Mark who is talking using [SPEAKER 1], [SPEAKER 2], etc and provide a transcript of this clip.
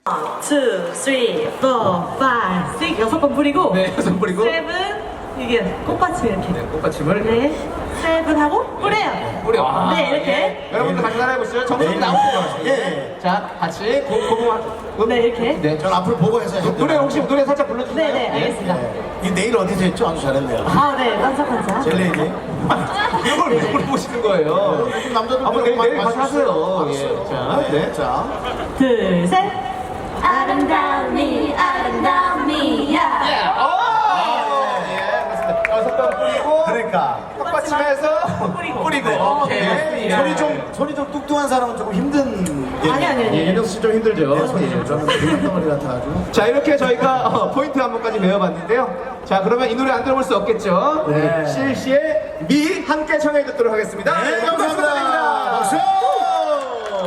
[SPEAKER 1] 2, 3, 4, 5, 6 여섯 번 뿌리고
[SPEAKER 2] 네, 여섯 번 뿌리고.
[SPEAKER 1] 7 이게 꽃받침 이렇게
[SPEAKER 2] 네, 꽃받침을.
[SPEAKER 1] 네, 7 하고 뿌려요.
[SPEAKER 2] 뿌려.
[SPEAKER 1] 네, 이렇게.
[SPEAKER 2] 여러분들 같이 따라해보시죠. 정답 나오시죠.
[SPEAKER 3] 예.
[SPEAKER 2] 자, 같이 고구마.
[SPEAKER 1] 네, 이렇게.
[SPEAKER 2] 네.
[SPEAKER 3] 전 앞으로 보고 해서 해야
[SPEAKER 2] 노래 혹시 노래 살짝 불러주세요.
[SPEAKER 1] 네, 네, 알겠습니다.
[SPEAKER 3] 이 내일 어디서 했죠? 아주 잘했네요.
[SPEAKER 1] 아, 네, 반짝반짝.
[SPEAKER 3] 젤레이지.
[SPEAKER 2] 이걸 왜 물어보시는 거예요?
[SPEAKER 3] 요즘 남자들
[SPEAKER 2] 한번 내일 가서 하세요. 예. 자, 네.
[SPEAKER 3] 자.
[SPEAKER 1] 둘, 셋.
[SPEAKER 4] 아름다움이 아름다움이야.
[SPEAKER 2] 예, 그렇습니다. 여섯 번 뿌리고.
[SPEAKER 3] 그러니까.
[SPEAKER 2] 꽃받침해서 뿌리고. 오케이.
[SPEAKER 3] 손이 좀 뚱뚱한 사람은 조금 힘든.
[SPEAKER 1] 아니.
[SPEAKER 2] 윤정 씨좀 힘들죠.
[SPEAKER 3] 네, 손이 저는 덩어리 같아가지고.
[SPEAKER 2] 자, 이렇게 저희가 포인트 한 번까지 배워봤는데요. 자, 그러면 이 노래 안 들어볼 수 없겠죠?
[SPEAKER 3] 네.
[SPEAKER 2] 실시의 미 함께 청해 듣도록 하겠습니다.
[SPEAKER 3] 네, 감사합니다.